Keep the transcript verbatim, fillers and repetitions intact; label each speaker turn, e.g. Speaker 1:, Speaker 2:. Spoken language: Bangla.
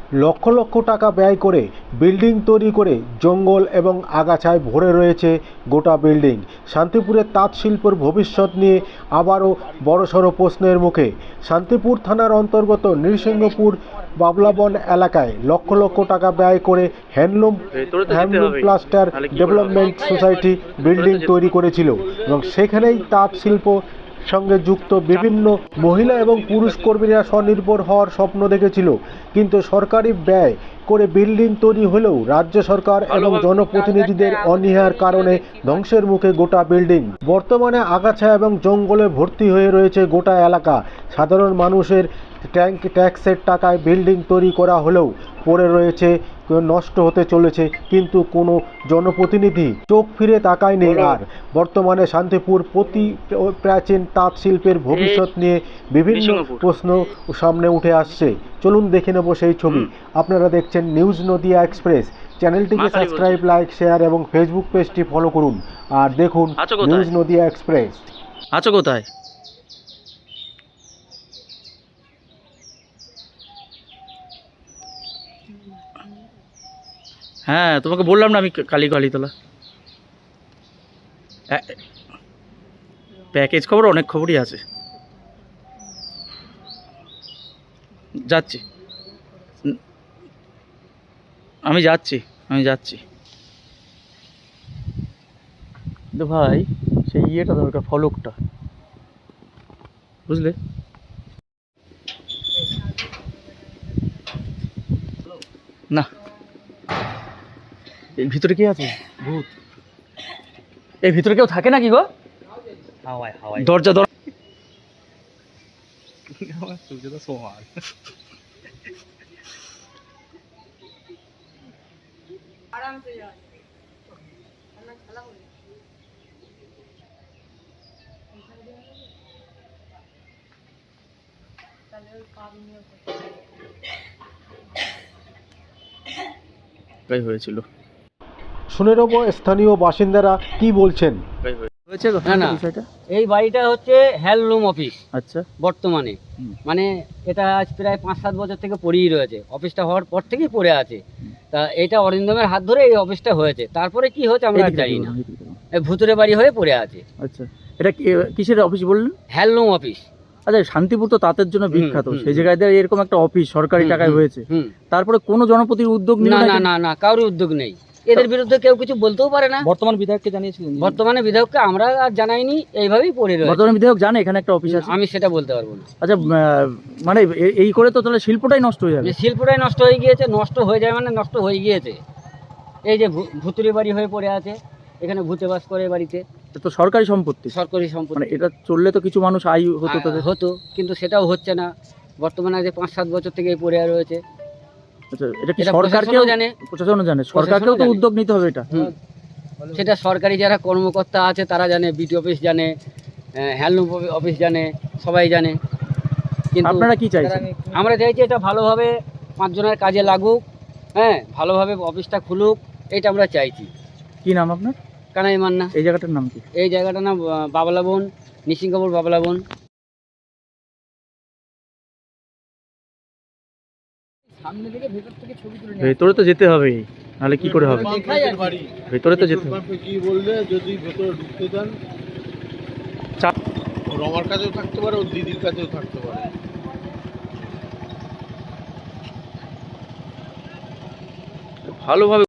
Speaker 1: লক্ষ লক্ষ টাকা ব্যয় করে বিল্ডিং তৈরি করে জঙ্গল এবং আগাছায় ভরে রয়েছে গোটা বিল্ডিং। শান্তিপুরের তাঁত শিল্পের ভবিষ্যৎ নিয়ে আবারও বড়সড় প্রশ্নের মুখে। শান্তিপুর থানার অন্তর্গত নৃসিংহপুর বাবলাবন এলাকায় লক্ষ লক্ষ টাকা ব্যয় করে handloom handloom cluster development society building তৈরি করেছিল এবং সেখানেই তাঁত শিল্প সঙ্গে যুক্ত বিভিন্ন মহিলা এবং পুরুষ কর্মীরা স্বনির্ভর হওয়ার স্বপ্ন দেখেছিল। কিন্তু সরকারি ব্যয় করে বিল্ডিং তৈরি হলেও রাজ্য সরকার এবং জনপ্রতিনিধিদের অনীহার কারণে ধ্বংসের মুখে গোটা বিল্ডিং। বর্তমানে আগাছা এবং জঙ্গলে ভর্তি হয়ে রয়েছে গোটা এলাকা। সাধারণ মানুষের ট্যাঙ্ক ট্যাক্সের টাকায় বিল্ডিং তৈরি করা হলেও পড়ে রয়েছে, নষ্ট হতে চলেছে, কিন্তু কোনো জনপ্রতিনিধি চোখ ফিরে তাকায়নি। আর বর্তমানে শান্তিপুর প্রতি প্রাচীন তাঁত শিল্পের ভবিষ্যৎ নিয়ে বিভিন্ন প্রশ্ন সামনে উঠে আসছে। চলুন দেখে নেব সেই ছবি। আপনারা দেখছেন নিউজ নদিয়া এক্সপ্রেস। চ্যানেলটিকে সাবস্ক্রাইব, লাইক, শেয়ার এবং ফেসবুক পেজটি ফলো করুন আর দেখুন নিউজ নদিয়া এক্সপ্রেস।
Speaker 2: আছো কোথায়? হ্যাঁ, তোমাকে বললাম না আমি কালী কালীতলা। প্যাকেজ খবর অনেক খবরই আছে, যাচ্ছি আমি যাচ্ছি আমি যাচ্ছি কিন্তু ভাই সেই ইয়েটা দরকার, ফলকটা, বুঝলে? না, এই ভিতরে কে আছে? ভূত। এই ভিতরে কেউ থাকে নাকি গো? হাওয়ায় হাওয়ায় দরজা দরজা সোমার হয়েছিল।
Speaker 1: শুনে নেব স্থানীয় বাসিন্দারা কি বলছেন।
Speaker 3: না না, এই বাড়িটা হচ্ছে হ্যান্ডলুম অফিস।
Speaker 2: আচ্ছা,
Speaker 3: বর্তমানে মানে এটা আজ প্রায় পাঁচ সাত বছর থেকে পড়েই রয়েছে। অফিসটা হওয়ার পর থেকেই পড়ে আছে। তা এটা অরিন্দমের হাত ধরে এই অফিসটা হয়েছে। তারপরে কি হয়েছে আমরা জানি না, এই ভুতুরে বাড়ি হয়ে পড়ে আছে।
Speaker 2: আচ্ছা, এটা কিসের অফিস বললেন?
Speaker 3: Handloom office.
Speaker 2: আচ্ছা, শান্তিপুর তো তাঁতের জন্য বিখ্যাত, সেই জায়গায় এরকম একটা অফিস সরকারি টাকায় হয়েছে, তারপরে কোনো জনপ্রতিনিধির উদ্যোগ নিল
Speaker 3: না? না না, কারোর উদ্যোগ নেই। এদের বিরুদ্ধে কেউ কিছু বলতেও পারে না।
Speaker 2: বর্তমান বিধায়ককে জানিয়েছিলেন?
Speaker 3: বর্তমানে বিধায়ককে আমরা আর জানাইনি, এইভাবেই পড়ে রয়েছে।
Speaker 2: বর্তমান বিধায়ক জানে এখানে একটা অফিস আছে?
Speaker 3: আমি সেটা বলতে পারবো না।
Speaker 2: আচ্ছা, মানে এই করে তো তাহলে শিল্পটাই নষ্ট হয়ে যাবে।
Speaker 3: শিল্পটাই নষ্ট হয়ে গিয়েছে। নষ্ট হয়ে যায় মানে নষ্ট হয়ে গিয়েছে। এই যে ভুতুরে বাড়ি হয়ে পড়ে আছে, এখানে ভূতে বাস করে বাড়িতে।
Speaker 2: তো সরকারি সম্পত্তি,
Speaker 3: সরকারি সম্পত্তি,
Speaker 2: মানে এটা চললে তো কিছু মানুষ আয় হতো তাদের।
Speaker 3: হতো, কিন্তু সেটাও হচ্ছে না। বর্তমানে যে পাঁচ সাত বছর থেকে পড়ে রয়েছে।
Speaker 2: আচ্ছা, এটা কি সরকারকেও জানে? প্রশাসনও জানে, সরকারকেও তো উদ্যোগ নিতে হবে এটা।
Speaker 3: সেটা সরকারি যারা কর্মকর্তা আছে তারা জানে, বিটি অফিস জানে, হ্যান্ডলুম অফিস জানে, সবাই জানে। কিন্তু
Speaker 2: আপনারা কি চাইছেন?
Speaker 3: আমরা চাইছি এটা ভালোভাবে পাঁচজনের কাজে লাগুক, হ্যাঁ, ভালোভাবে অফিসটা খুলুক, এটা আমরা চাইছি।
Speaker 2: কি নাম আপনার?
Speaker 3: কানাই মান্না।
Speaker 2: এই জায়গাটার নাম কি?
Speaker 3: এই জায়গাটার নাম বাবলাবন, নৃসিংহপুর বাবলাবন। সামনে থেকে ভেতর থেকে ছবি তুলে নিয়ে
Speaker 2: ভেতরে তো যেতে হবে, নাহলে কি করে হবে? ভেতরে তো যেতে হবে।
Speaker 4: কি বললে যদি ভেতরে ঢুকতে দেন, ওর আমার কাছেও থাকতে পারে, ওর দিদির কাছেও থাকতে পারে।
Speaker 2: ভালোভাবে